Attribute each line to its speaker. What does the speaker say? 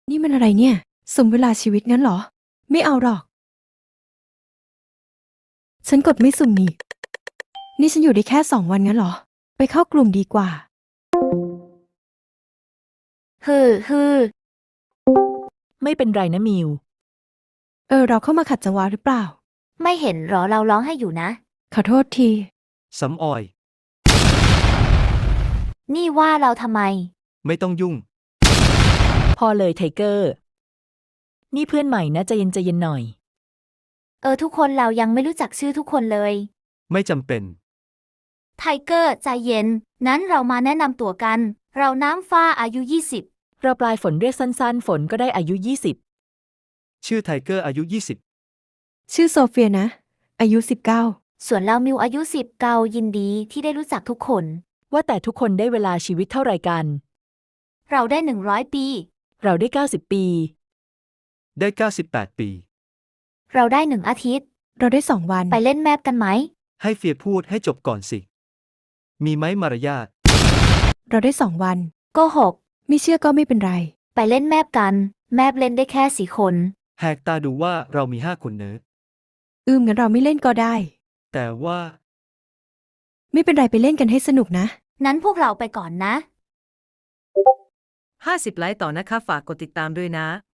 Speaker 1: นี่มันอะไรเนี่ยสมเวลาชีวิตงั้นเหรอไม่เอาหรอกฉันกดไม่สุ่มนี่ฉันอยู่ได้แค่2 วันงั้นเหรอไปเข้ากลุ่มดีกว่า
Speaker 2: ฮือ
Speaker 3: ไม่เป็นไรนะมิว
Speaker 1: เราเข้ามาขัดจังหวะหรือเปล่า
Speaker 2: ไม่เห็นหรอเราร้องให้อยู่นะ
Speaker 1: ขอโทษที
Speaker 4: สำออย
Speaker 2: นี่ว่าเราทำไม
Speaker 4: ไม่ต้องยุ่ง
Speaker 3: พอเลยไทเกอร์ นี่เพื่อนใหม่นะใจเย็นหน่อย
Speaker 2: ทุกคนเรายังไม่รู้จักชื่อทุกคนเลย
Speaker 4: ไม่จำเป็น
Speaker 2: ไทเกอร์ใจเย็นนั้นเรามาแนะนำตัวกัน เราน้ำฟ้าอายุ 20
Speaker 3: เราปลายฝนเรียกสั้นๆ ฝนก็ได้อายุ
Speaker 4: ชื่อไทเกอร์อายุ
Speaker 1: ชื่อโซเฟียนะอายุ19
Speaker 2: ส่วนเรามิวอายุ10เกายินดีที่ได้รู้จักทุกคน
Speaker 3: 20 ว่าแต่ทุกคนได้เวลาชีวิตเท่าไหร่กัน
Speaker 2: เราได้100 ปี
Speaker 3: เราได้90 ปี
Speaker 4: 20 ได้ 98 ปี
Speaker 2: เราได้1 อาทิตย์
Speaker 1: เราได้2 วัน
Speaker 2: ไปเล่นแมปกันไหม
Speaker 4: ให้เฟียพูดให้จบก่อนสิ มีไหมมารยาท
Speaker 1: เราได้2 วัน
Speaker 2: โกหก
Speaker 1: ไม่เชื่อก็ไม่เป็นไร
Speaker 2: ไปเล่นแมปกัน แมปเล่นได้แค่4 คน
Speaker 4: แหกตาดูว่าเรามี5 คนเนอะ
Speaker 1: งั้นเราไม่เล่นก็ได้
Speaker 4: แต่ว่า
Speaker 1: ไม่เป็นไรไปเล่นกันให้สนุกนะ
Speaker 2: นั้นพวกเราไปก่อนนะ
Speaker 5: 50 ไลค์ต่อนะคะฝากกดติดตามด้วยนะ